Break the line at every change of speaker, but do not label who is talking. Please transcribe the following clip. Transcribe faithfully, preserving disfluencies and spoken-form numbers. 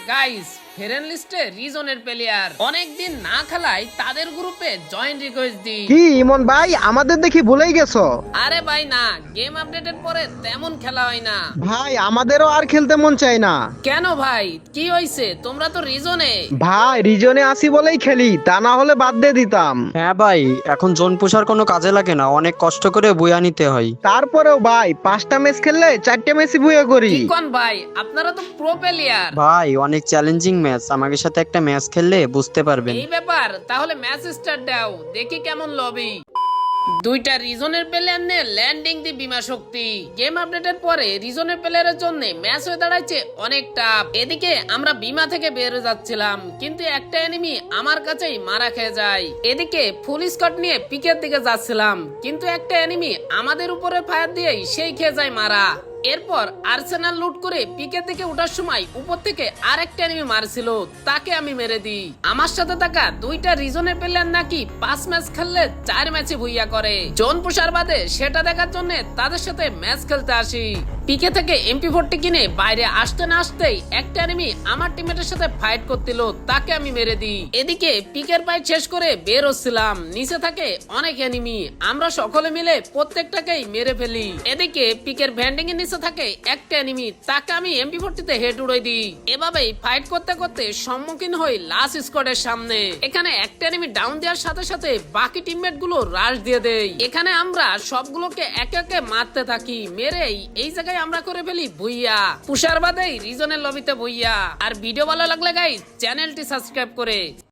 Guys friend লিস্টে রিজনের player অনেকদিন না খেলায় তাদের গ্রুপে জয়েন রিকোয়েস্ট দি।
কি ইমন ভাই আমাদের দেখি ভুলেই গেছো?
আরে ভাই না, গেম আপডেটের পরে তেমন খেলা হয় না
ভাই আমাদেরও আর খেলতে মন চায় না।
কেন ভাই, কি হইছে? তোমরা তো রিজনে।
ভাই রিজনে আসি বলেই খেলি, তা না হলে বাদ দিয়ে দিতাম।
হ্যাঁ ভাই, এখন জোন পুষার কোনো কাজে লাগে না, অনেক কষ্ট করে বইয়া নিতে হয়।
তারপরেও ভাই পাঁচটা ম্যাচ খেললে চারটে ম্যাচই বুয়ে করি।
কি কোন ভাই, আপনারা তো প্রো প্লেয়ার।
ভাই অনেক চ্যালেঞ্জিং ম্যাচ, আমাদের সাথে একটা ম্যাচ খেললে বুঝতে পারবেন।
এই ব্যাপার, তাহলে ম্যাচ স্টার্ট দাও, দেখি কেমন লবি। দুইটা রিজনের প্লেয়ার নিয়ে ল্যান্ডিং দি বিমা শক্তি। গেম আপডেটের পরে রিজনের প্লেয়ারের জন্য ম্যাচ হয়ে দাঁড়াইছে অনেক টাফ। এদিকে আমরা বিমা থেকে বের হয়ে যাচ্ছিলাম, কিন্তু একটা এনিমি আমার কাছেই মারা খেয়ে যায়। এদিকে ফুল স্কট নিয়ে পিকের দিকে যাচ্ছিলাম, কিন্তু একটা এনিমি আমাদের উপরে ফায়ার দিয়েই সেই খেয়ে যায় মারা। এরপর আর্সেনাল লুট করে পিকের দিকে ওঠার সময় উপর থেকে আরেকটা এনিমি মারছিল, তাকে আমি মেরে দিই। আমার সাথে থাকা দুইটা রিজনের প্লেয়ার নাকি পাঁচ ম্যাচ খেললে চার ম্যাচে ভুইয়া করে। জোন পুষার বাদে সেটা দেখার জন্য তাদের সাথে ম্যাচ খেলতে আসি। পিকে থেকে এমপি ফোরটি কিনে বাইরে আসতে না আসতেই একটা এনিমি আমার টিমমেটের সাথে ফাইট করছিল, তাকে আমি মেরে দিই। এদিকে পিকের ফাইট শেষ করে বের হচ্ছিলাম, নিচে থাকে অনেক এনিমি, আমরা সকলে মিলে প্রত্যেকটাকেই মেরে ফেলি। এদিকে পিকের ভ্যান্ডিং এর নিচে থাকে একটা এনিমি, তাকে আমি এমপি ফোরটি তে হেড উড়াই দিই। এভাবেই ফাইট করতে করতে সম্মুখীন হই লাস্ট স্কোয়াডের সামনে। এখানে একটা এনিমি ডাউন দেওয়ার সাথে সাথে বাকি টিমমেট গুলো রাশ দিয়ে দেয়। এখানে আমরা সবগুলোকে একে একে মারতে থাকি, মেরেই এই জায়গায় আমরা করে ফেলি ভুইয়া। পুষার বাদেই রিজনের লবিতে ভুইয়া। আর ভিডিও ভালো লাগলে গাইস চ্যানেলটি সাবস্ক্রাইব করে